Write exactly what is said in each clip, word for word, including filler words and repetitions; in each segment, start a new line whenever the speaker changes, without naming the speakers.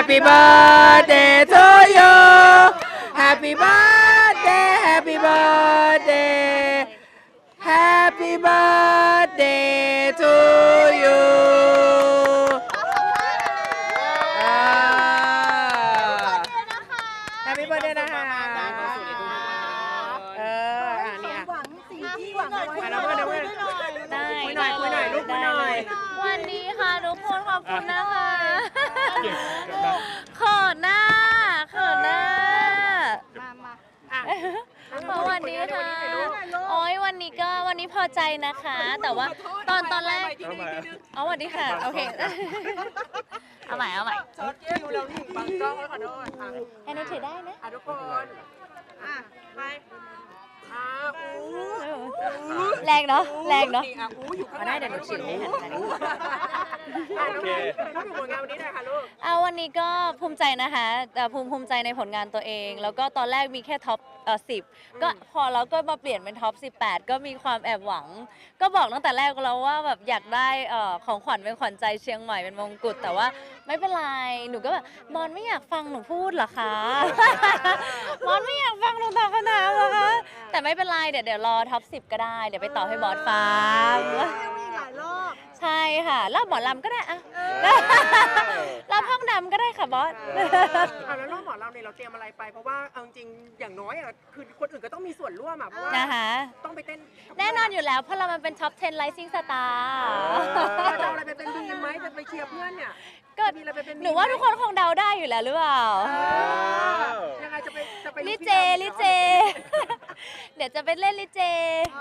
Happy birthday to you Happy birthday Happy birthday Happy birthday to you อ่า Happy birthday นะคะเอออ่ะเนี่ย
หวังสิ่งที่หวังไว้
อ่ะแล้วก็เดี๋ยว
ได้
คุยหน่อยคุยหน่อยลูกคุยหน่อย
วันนี้ค่ะทุกคนขอบคุณนะคะเขินหน้าเขินหน้า
มามา
อ่ะ
เพราะวันนี้ค่ะโอ้ยวันนี้ก็วันนี้พอใจนะคะ แต่ว่าตอนตอนแรกเอาวันนี้ค่ะโอเคเอาใหม่เอาใหม่
ช็อตคิวเรานี่บังกล้องไว้ขอโทษอ่ะ
ให้นุถือได้นะ
อ่ะทุกคนอ่ะไปอ่ะอู้
แรงเนาะแรงเนาะ
อ่ะอู้อยู่ข้าง
เอาได้เดี๋ยวหนูฉีดให้หันไป
อ่ะน้องน้องอยู่ผลงานวันนี้หน่อยค่ะลูก
เอาวันนี้ก็ภูมิใจนะคะแต่ภูมิภูมิใจในผลงานตัวเอง แล้วก็ตอนแรกมีแค่ท็อปเอ่อสิบก็พอแล้วก็มาเปลี่ยนเป็นท็อปสิบแปดก็มีความแอบหวัง ก็บอกตั้งแต่แรกแล้วว่าแบบอยากได้เอ่อของขวัญเป็นขวัญใจเชียงใหม่เป็นมงกุฎแต่ว่าไม่เป็นไรหนูก็แบบบอลไม่อยากฟังหนูพูดเหรอคะ บอลไม่อยากฟังหนูตอบคำถามเหรอคะแต่ไม่เป็นไรเดี๋ยวเดี๋ยวรอท็อปสิบก็ได้เดี๋ยวไปตอบให้บอสฟัง
มีหลายรอบ
ใช่ค่ะรอบหมอลำก็ได้อะรอบห้องดำก็ได้ค่ะบอส
เอาแล้วรอบหมอเราเนี่ยเราเตรียมอะไรไปเพราะว่าเอาจริงๆอย่างน้อยอ่ะคือคนอื่นก็ต้องมีส่วนร่วมอ่ะเพราะว่า
นะคะ
ต้องไปเต้น
แน่นอนอยู่แล้วเพราะเรามันเป็นท็อปสิบ Rising Star
เราจะเอาอะไรไปเป็นบีมไหมจะไปเชียร์เพื่อนเนี่ย
ก็
มีอะไรไปเป็นบีม
หนูว่าทุกคนคงเดาได้อยู่แล้วหรือเปล่า
เออยังไงจะไปจะไป
ลิเจลิเจ เดี๋ยวจะไปเล่นลิเจ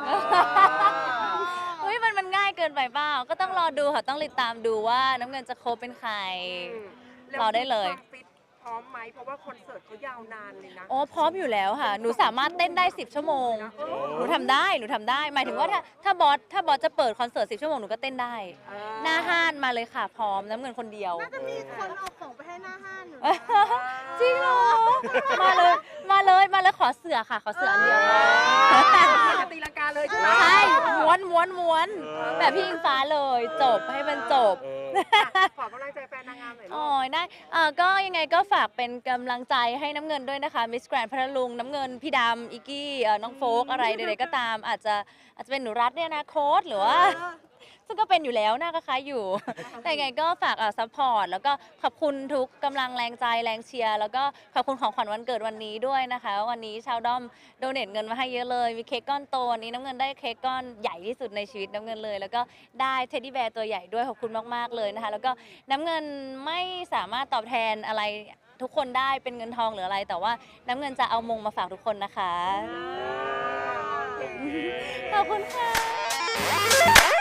อุ้ยมันมันง่ายเกินไปเปล่าก็ต้องรอดูค่ะต้องติดตามดูว่าน้ำเงินจะโคบเป็นใคร รอได้เลย
ฟิตพร้อมไหมเพราะว่าคอนเสิร์ตเขายาวนานเลยนะ
โอ้พร้อมอยู่แล้วค่ะ หนูสามารถเต้นได้สิบชั่วโมง หนูทำได้ หนูทำได้ หมายถึงว่าถ้าถ้าบอสถ้าบอสจะเปิดคอนเสิร์ตสิบชั่วโมงหนูก็เต้นได้
เออ
หน้าห้านมาเลยค่ะ พร้อมน้ำเงินคนเดียว
น่าจะมีคนเอาของไปให้หน้าห้างอยู่
จริงเหรอ มาเลย มาเลย มาเลยขอเสือค่ะ ขอเสืออันเดียว
จะตีลังกาเลยใช่ไหม
ใช่ม้วนม้วนม้วนแบบพี่อิงฟ้าเลย จบให้มันจบ
ขอกำลังใจแฟนนางงามหน่อยลู
โอ้
ก
ยได้เอ่อก็ยังไงก็ฝากเป็นกำลังใจให้น้ำเงินด้วยนะคะมิสแกรนด์พัทลุงน้ำเงินพี่ดำอิกกี้เอ่อน้องโฟกอะไรใดๆก็ตาม อาจจะอาจจะเป็นหนูรัฐเนี่ยนะโค้ดหรือว่า ซึ่งก็เป็นอยู่แล้วหน้าก็คล้ายอยู่ แต่ยังไงก็ฝากเอ่อซัพพอร์ตแล้วก็ขอบคุณทุกกำลังแรงใจแรงเชียร์แล้วก็ขอบคุณของขวัญวันเกิดวันนี้ด้วยนะคะ วันนี้ชาวด้อมโดเนทเงินมาให้เยอะเลยมีเค้กก้อนโตวันนี้น้ำเงินได้เค้กก้อนใหญ่ที่สุดในชีวิตน้ำเงินเลย แล้วก็ได้เท็ดดี้แบร์ตัวใหญ่ด้วยขอบคุณมากๆเลยนะคะ แล้วก็น้ำเงินไม่สามารถตอบแทนอะไรทุกคนได้เป็นเงินทองหรืออะไร แต่ว่าน้ำเงินจะเอามงมาฝากทุกคนนะคะขอบคุณค่ะ